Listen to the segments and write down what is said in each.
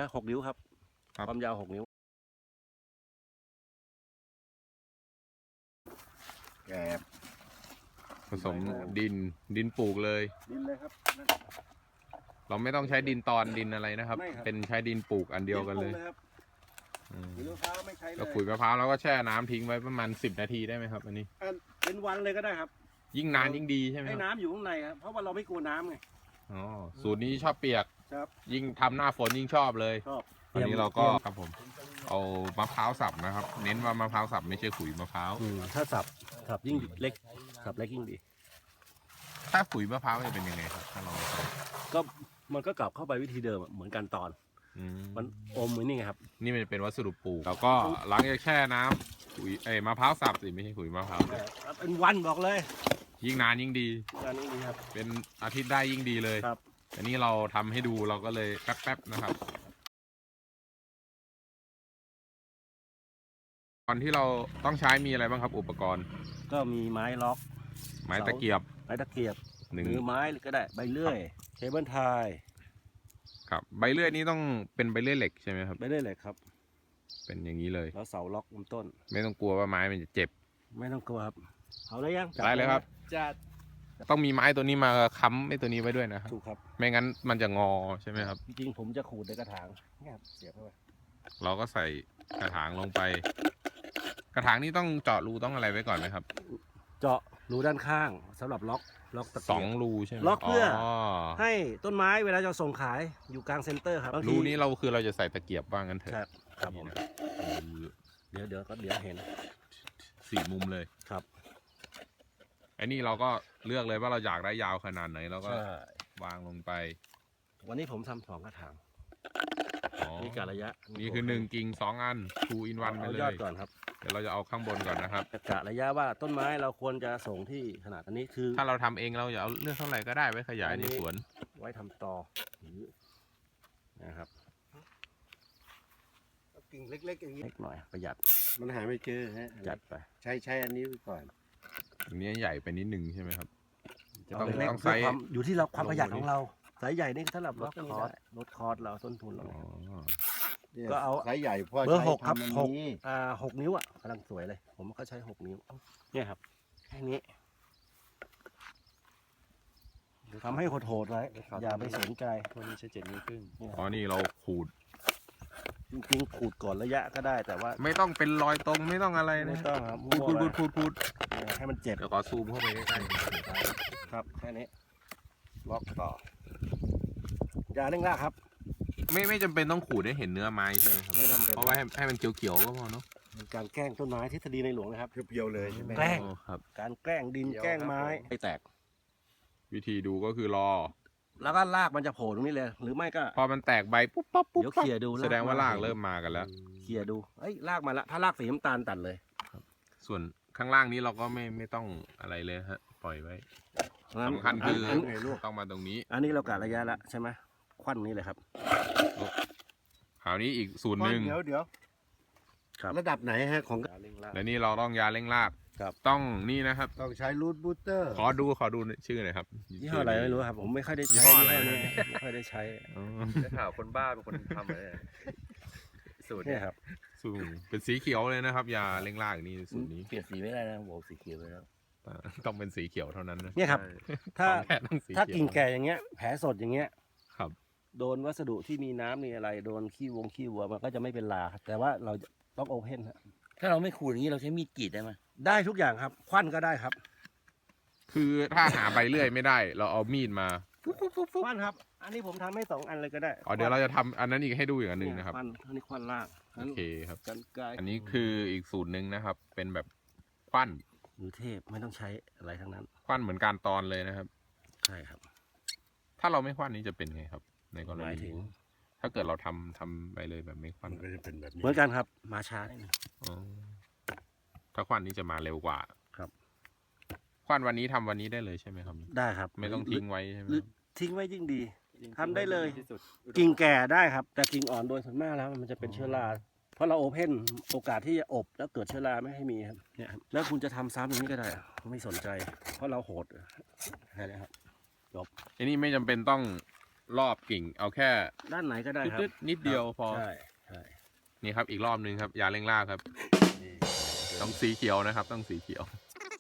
6 นิ้วครับความยาว6 นิ้วแกบผสมดินปลูกเลยดินเลยครับเราไม่ต้องใช้ดินตอนดินอะไรนะครับ เป็นใช้ดินปลูกอันเดียวกันเลยขุยมะพร้าวไม่ใช้เลยแล้วขุยมะพร้าวเราก็แช่น้ำทิ้งไว้ประมาณ10 นาทีได้ไหมครับอันนี้เป็นวันเลยก็ได้ครับยิ่งนานยิ่งดีใช่ไหมให้น้ำอยู่ข้างในครับเพราะว่าเราไม่กลัวน้ำไงอ๋อสูตรนี้ชอบเปียกครับยิ่งทำหน้าฝนยิ่งชอบเลยชอบอันนี้เราก็ครับผมเอามะพร้าวสับนะครับเน้นว่ามะพร้าวสับไม่ใช่ขุยมะพร้าวถ้าสับยิ่งเล็กสับเล็กยิ่งดีถ้าขุยมะพร้าวจะเป็นยังไงครับถ้าเราก็มันก็กลับเข้าไปวิธีเดิมเหมือนกันตอนมันอมเหมือนนี่ไงครับนี่มันเป็นวัสดุปลูกแล้วก็หลังจากแช่น้ำขุยมะพร้าวสับสิไม่ใช่ขุยมะพร้าวเป็นวันบอกเลยยิ่งนานยิ่งดีครับเป็นอาทิตย์ได้ยิ่งดีเลยครับอันนี้เราทำให้ดูเราก็เลยแป๊บๆนะครับก่อนที่เราต้องใช้มีอะไรบ้างครับอุปกรณ์ก็มีไม้ล็อกไม้ตะเกียบมือไม้ก็ได้ใบเลื่อยเคเบิลไทยครับใบเลื่อยนี้ต้องเป็นใบเลื่อยเหล็กใช่ไหมครับใบเลื่อยเหล็กครับเป็นอย่างนี้เลยแล้วเสาล็อกลำต้นไม่ต้องกลัวว่าไม้มันจะเจ็บไม่ต้องกลัวครับเอาได้ยังได้เลยครับจัดต้องมีไม้ตัวนี้มาค้ำไอ้ตัวนี้ไว้ด้วยนะครับถูกครับไม่งั้นมันจะงอใช่ไหมครับจริงๆผมจะขูดในกระถางเนี่ยเสียบเข้าไปเราก็ใส่กระถางลงไปกระถางนี้ต้องเจาะรูต้องอะไรไว้ก่อนไหมครับเจาะรูด้านข้างสำหรับล็อกตะเกียบ 2 รูใช่ไหมล็อกเพื่อให้ต้นไม้เวลาจะส่งขายอยู่กลางเซ็นเตอร์ครับรูนี้เราคือเราจะใส่ตะเกียบบ้างกันเถอะครับผมเดี๋ยวเห็น 4 มุมเลยครับไอ้นี่เราก็เลือกเลยว่าเราอยากได้ยาวขนาดไหนเราก็วางลงไปวันนี้ผมทำ2 กระถางนี่กะระยะนี่คือ1 กิ่ง 2 อัน 2 in 1ไปเลยยอดก่อนครับเดี๋ยวเราจะเอาข้างบนก่อนนะครับกะระยะว่าต้นไม้เราควรจะส่งที่ขนาดอันนี้คือถ้าเราทำเองเราจะเอาเลือกเท่าไหร่ก็ได้ไว้ขยายในสวนไว้ทำต่อนะครับกิ่งเล็กๆอย่างนี้เล็กหน่อยประหยัดมันหาไม่เจอฮะจัดไปใช้อันนี้ไปก่อนอันนี้ใหญ่ไปนิดนึงใช่ไหมครับต้องไซส์อยู่ที่เราความประหยัดของเราสายใหญ่นี่สำหรับลดคอร์สเราต้นทุนเราก็เอาสายใหญ่พ่อเบอร์ 6ครับ6 นิ้วกำลังสวยเลยผมก็ใช้6 นิ้วเนี่ยครับแค่นี้ทำให้โหดๆไว้อย่าไปสนใจคนนี้ใช้7 นิ้วครึ่งอ๋อนี่เราขูดจริงๆขูดก่อนระยะก็ได้แต่ว่าไม่ต้องเป็นรอยตรงไม่ต้องอะไรนะไม่ต้องครับพูดให้มันเจ็บเดี๋ยวขอซูมเข้าไปใกล้ๆครับแค่นี้ล็อกต่ออย่าเร่งรากครับไม่จำเป็นต้องขูดให้เห็นเนื้อไม้ใช่ไหมครับไม่จำเป็นเพราะว่าให้มันเขียวๆก็พอเนาะการแกล้งต้นไม้ทฤษฎีในหลวงนะครับเพียวๆเลยใช่ไหมแกล้งครับการแกล้งดินแกล้งไม้ให้แตกวิธีดูก็คือรอแล้วก็รากมันจะโผล่ตรงนี้เลยหรือไม่ก็พอมันแตกใบปุ๊บปั๊บเดี๋ยวเคลียร์ดูแสดงว่ารากเริ่มมากันแล้วเคลียร์ดูรากมาแล้วถ้ารากสีน้ำตาลตัดเลยส่วนข้างล่างนี้เราก็ไม่ต้องอะไรเลยฮะปล่อยไว้สำคัญคือต้องมาตรงนี้อันนี้เรากะระยะละใช่ไหมควันนี้เลยครับคราวนี้อีกสูตรหนึ่งเดี๋ยวระดับไหนฮะของและนี่เราต้องยาเร่งรากต้องนี่นะครับต้องใช้รูทบูสเตอร์ขอดูชื่อหน่อยครับยี่ห้ออะไรไม่รู้ครับผมไม่ค่อยได้ใช้อะไรไม่ค่อยได้ใช้ได้ข่าวคนบ้าเป็นคนทำเลยสูตรนี่ครับสูตรเป็นสีเขียวเลยนะครับยาเร่งรากนี่สูตรนี้เปลี่ยนสีไม่ได้นะโว้สีเขียวเลยแล้วต้องเป็นสีเขียวเท่านั้นนะเนี่ยครับถ้ากิ่งแก่อย่างเงี้ยแผลสดอย่างเงี้ยครับโดนวัสดุที่มีน้ำมีอะไรโดนขี้วัวมันก็จะไม่เป็นลาแต่ว่าเราต้องโอเพนถ้าเราไม่ขูดอย่างนี้เราใช้มีดกรีดได้ไหมได้ทุกอย่างครับควันก็ได้ครับคือถ้าหาใบเลื่อยไม่ได้เราเอามีดมาควันครับอันนี้ผมทำให้2 อันเลยก็ได้เดี๋ยวเราจะทำอันนั้นอีกให้ดูอีกอันหนึ่งนะครับอันนี้ควันล่างโอเคครับกันไกลอันนี้คืออีกสูตรหนึ่งนะครับเป็นแบบควันมือเทพไม่ต้องใช้อะไรทั้งนั้นควันเหมือนการตอนเลยนะครับใช่ครับถ้าเราไม่ควันนี้จะเป็นไงครับในกรณีถึงถ้าเกิดเราทำไปเลยแบบไม่ควันก็จะเป็นแบบนี้เหมือนกันครับมาช้านิดนึงถ้าควันนี้จะมาเร็วกว่าครับควันวันนี้ทำวันนี้ได้เลยใช่ไหมครับได้ครับไม่ต้องทิ้งไว้ใช่ไหมทิ้งไว้ยิ่งดีทำได้เลยกิ่งแก่ได้ครับแต่กิ่งอ่อนโดยส่วนมากแล้วมันจะเป็นเชื้อราเพราะเราโอเพนโอกาสที่จะอบแล้วเกิดเชื้อราไม่ให้มีครับเนี่ยแล้วคุณจะทำซ้ำอย่างนี้ก็ได้ไม่สนใจเพราะเราโหดแค่นี้ครับจบอันนี้ไม่จำเป็นต้องรอบกิ่งเอาแค่ด้านไหนก็ได้ครับนิดเดียวพอใช่ใช่นี่ครับอีกรอบนึงครับยาเร่งรากครับต้องสีเขียวนะครับ ต้องสีเขียว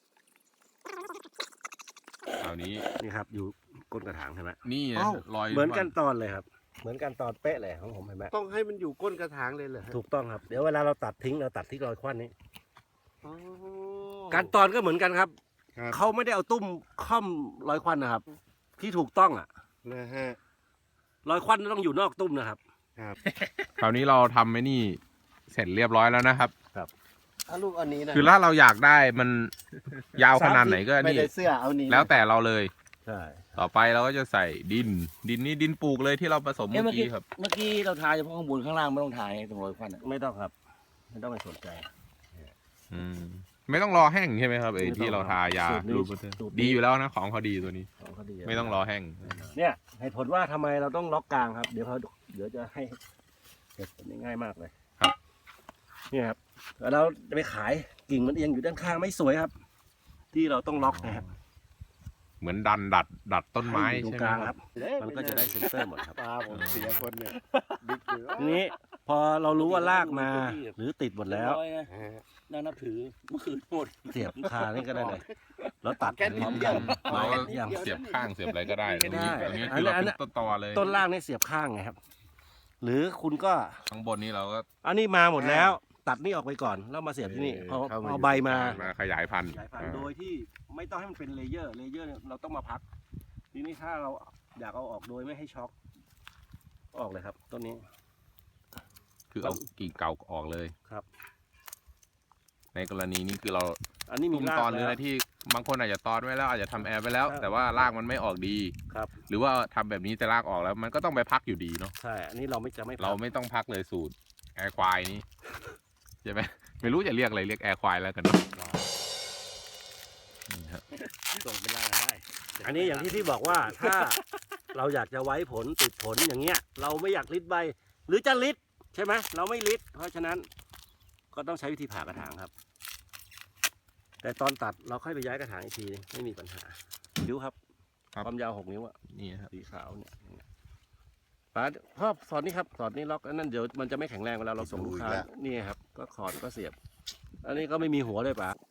คราวนี้นี่ครับอยู่ก้นกระถางใช่ไหมนี่นะอ้าวรอยเหมือนกันตอนเลยครับ เหมือนกันตอนเป๊ะเลยของผมเห็นไหมต้องให้มันอยู่ก้นกระถางเลยเหรอฮะถูกต้องครับเดี๋ยวเวลาเราตัดทิ้งเราตัดที่รอยควันนี้อ๋อการตอนก็เหมือนกันครับครับเขาไม่ได้เอาตุ้มค่อมรอยควันนะครับ ที่ถูกต้องอ่ะนะฮะรอยควันต้องอยู่นอกตุ้มนะครับครับคราวนี้เราทำไอ้นี่เสร็จเรียบร้อยแล้วนะครับถ้าลูกอันนี้นะคือถ้าเราอยากได้มันยาวขนาดไหนก็ไม่นี่ได้เสื้อเอานี้นะแล้วแต่เราเลยใช่ต่อไปเราก็จะใส่ดินนี่ดินปลูกเลยที่เราผสมเอ้ยเมื่เมื่ออกี้กี้ครับเมื่อกี้เราทาเฉพาะข้างบนข้างล่างไม่ต้องทาไงตรงรอยควันอะไม่ต้องครับ ไม่ต้องไปสนใจอืมไม่ต้องรอแห้งใช่ไหมครับไอ้ไม่ต้องที่เราทายาสูตรนี้รูปเบอร์เตอร์สูตรนี้ดีอยู่แล้วนะของเขาดีตัวนี้ของเขาดีไม่ต้องรอแห้งเนี่ยเหตุผลว่าทำไมเราต้องล็อกกลางครับ เดี๋ยวจะให้เหตุผลง่ายมากเลยครับเนี่ยครับแล้วเราจะไปขายกิ่งมันเอียงอยู่ด้านข้างไม่สวยครับ ที่เราต้องล็อกนะครับเหมือนดัดต้นไม้ให้อยู่ตรงใช่ไหมกลางคครัรับ บ มันก็จะได้เซนเตอร์หมดครับตาผมเสียคนเนี่ยบิ๊กเลยทีนี้พอเรารู้ว่าลากมาหรือติดหมดแล้วร้อยนะน่านับถือเมื่อคืนหมดเสียบคานี่ก็ได้เลยแล้วตัดพร้อมกันเราก็อย่างเสียบข้างเสียบอะไรก็ได้ตรงนี้ได้ตรงนี้คือเราอันเป็นั้นนต้นตอเลยต้นล่างนี่เสียบข้างไงครับ หรือคุณก็ข้างบนนี้เราก็อันนี้มาหมดแล้ว ตัดนี่ออกไปก่อนแล้วมาเสียบที่นี่พอเอาใบมาขยายพันธุ์สายพันธุ์โดยที่ไม่ต้องให้มันเป็นเลเยอร์เนี่ยเราต้องมาพัก ทีนี้ถ้าเราอยากเอาออกโดยไม่ให้ช็อกออกเลยครับต้นนี้คือเอากิ่งเก่าออกเลยครับในกรณีนี้คือเราอันนี้มีตุ้มรากตอนหรือแล้อะไรวที่บางคนอาจจะตอนไว้แล้วอาจจะทำแอร์ไปแล้วครับแต่ว่ารากมันไม่ออกดีครับหรือว่าทำแบบนี้แต่รากออกแล้ว มันก็ต้องไปพักอยู่ดีเนาะใช่อันนี้เราไม่จะไม่พักเราไม่ต้องพักเลยสูตรแอร์ควายนี้ใช่ไหมไม่รู้จะเรียกอะไรเรียกแอร์ควายแล้วกันเนาะนี่ครับส่งเป็นล่างได้อันนี้อย่างที่พี่บอกว่าถ้าเราอยากจะไว้ผลติดผลอย่างเงี้ย เราไม่อยากลิดใบ หรือจะลิดใช่ไหมเราไม่ลิดเพราะฉะนั้นก็ต้องใช้วิธีผ่ากระถางครับ แต่ตอนตัดเราค่อยไปย้ายกระถางอีกทีนึงไม่มีปัญหานิ้วครับความยาว6 นิ้วอะนี่ครับสีขาวเนี่ยป๋าพ่อสอดนี่ครับสอดนี่ล็อกอันนั้นเดี๋ยวมันจะไม่แข็งแรงเวลาเราส่งลูกค้านี่ครับก็ขอดก็เสียบ อันนี้ก็ไม่มีหัวเลยป๋า